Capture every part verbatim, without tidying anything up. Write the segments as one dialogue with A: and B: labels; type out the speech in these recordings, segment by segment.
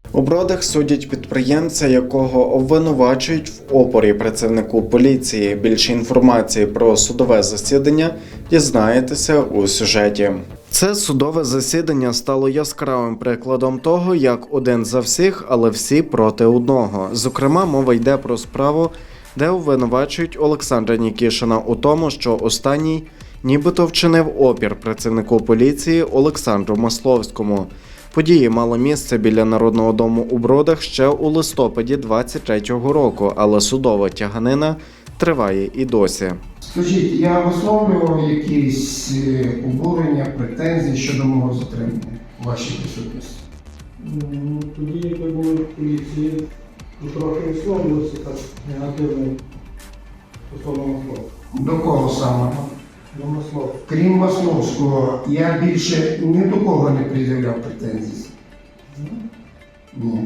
A: У Бродах судять підприємця, якого обвинувачують в опорі працівнику поліції. Більше інформації про судове засідання дізнаєтеся у сюжеті. Це судове засідання стало яскравим прикладом того, як один за всіх, але всі проти одного. Зокрема, мова йде про справу, де обвинувачують Олександра Нікішина у тому, що останній нібито вчинив опір працівнику поліції Олександру Масловському. Події мали місце біля Народного дому у Бродах ще у листопаді двадцять третього року, але судова тяганина триває і досі.
B: Скажіть, я висловлював якісь обурення, претензії щодо мого затримання у вашій присутності?
C: Ну, тоді, як ви були в поліції, ви трохи висловлювалися так негативно стосовно Масловського.
B: До кого саме?
C: До Масловського.
B: Крім Масловського, я більше ні до кого не пред'являв претензій? Ні.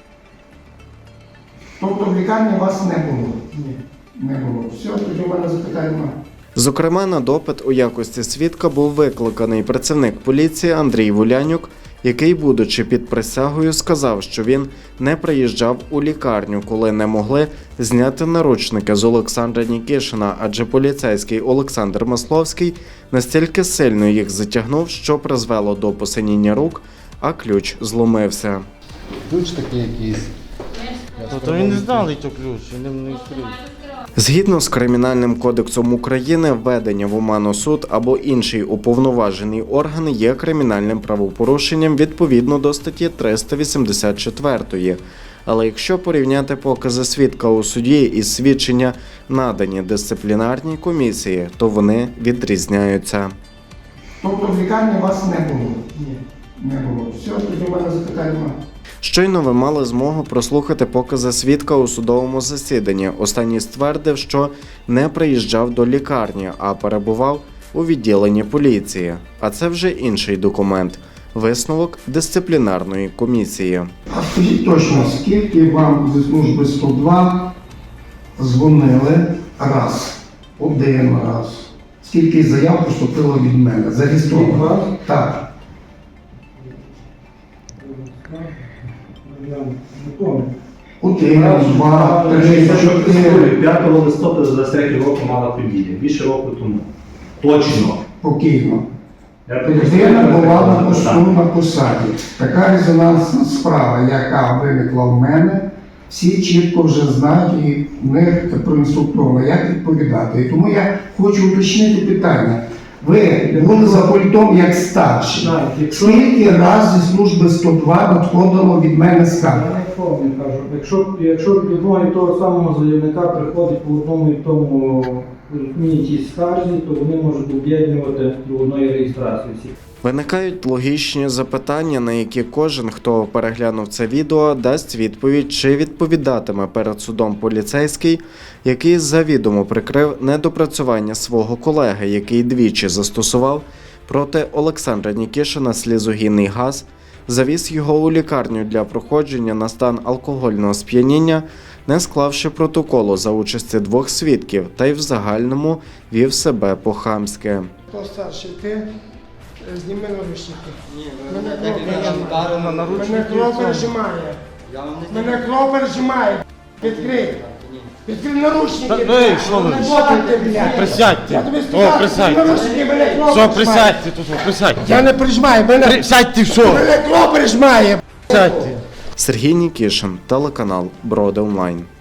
B: Тобто в лікарні вас не було?
C: Ні.
B: Не було. Все, тоді в мене запитань немає.
A: Зокрема, на допит у якості свідка був викликаний працівник поліції Андрій Вулянюк, який, будучи під присягою, сказав, що він не приїжджав у лікарню, коли не могли зняти наручники з Олександра Нікішина, адже поліцейський Олександр Масловський настільки сильно їх затягнув, що призвело до посиніння рук, а ключ зломився.
D: Ключ такий якийсь.
E: То він не знали, то ключ, він не відкрив.
A: Згідно з Кримінальним кодексом України, введення в оману суд або інший уповноважений орган є кримінальним правопорушенням відповідно до статті триста вісімдесят чотири. Але якщо порівняти покази свідка у суді і свідчення, надані дисциплінарній комісії, то вони відрізняються.
B: Тобто в лікарні вас не було?
C: Ні.
B: Не було. Все, тоді в мене запитань немає.
A: Щойно ви мали змогу прослухати покази свідка у судовому засіданні. Останній ствердив, що не приїжджав до лікарні, а перебував у відділенні поліції. А це вже інший документ – висновок дисциплінарної комісії.
B: А скажіть точно, скільки вам зі служби сто два дзвонили раз, один раз? Скільки заяв поступило від мене? Зареєстровано? Так.
C: Я не пам'ятаю.
B: Один, два, три, чотири.
F: п'ятого листопада двадцять третього року мала подія. Більше року тому. Точно.
B: Покійно.
F: Я
B: Людина була на посту на посаді. Така резонансна справа, яка виникла в мене, всі чітко вже знають і в них проінструктовано, як відповідати. І тому я хочу уточнити питання. Ви були за пультом як старший.
C: Так, якщо-
B: Скільки разів зі служби сто два надходило від мене
C: Я
B: скарг?
C: не пам'ятаю, кажу. Якщо, якщо від одного і того самого заявника приходить по одному і тому одній тій скарзі, то вони можуть об'єднувати до одної реєстрації всіх.
A: Виникають логічні запитання, на які кожен, хто переглянув це відео, дасть відповідь, чи відповідатиме перед судом поліцейський, який завідомо прикрив недопрацювання свого колеги, який двічі застосував проти Олександра Нікішина слізогінний газ, завіз його у лікарню для проходження на стан алкогольного сп'яніння, не склавши протоколу за участі двох свідків, та й в загальному вів себе по-хамськи.
G: Хто старший, ти? Зніми наручники.
E: Ні,
G: Мене
E: так
G: кров
E: як я вдарив на наручники.
G: Мене кров пережимає.
E: Я вам не
G: Мене кров пережимає. Відкрий. Відкрий наручники.
E: Та,
G: блядь.
E: ей, що ви?
G: Не бодайте, блядь.
E: Присядьте.
G: Я тобі
E: О,
G: сказав,
E: присядьте.
G: наручники, мене кров
E: Що,
G: пережимає.
E: присядьте тут, присядьте.
G: Я не пережимаю, мене,
E: Присядьте, що?
G: мене кров пережимає.
E: Присядьте.
A: Сергій Нікішин, телеканал Броди Онлайн.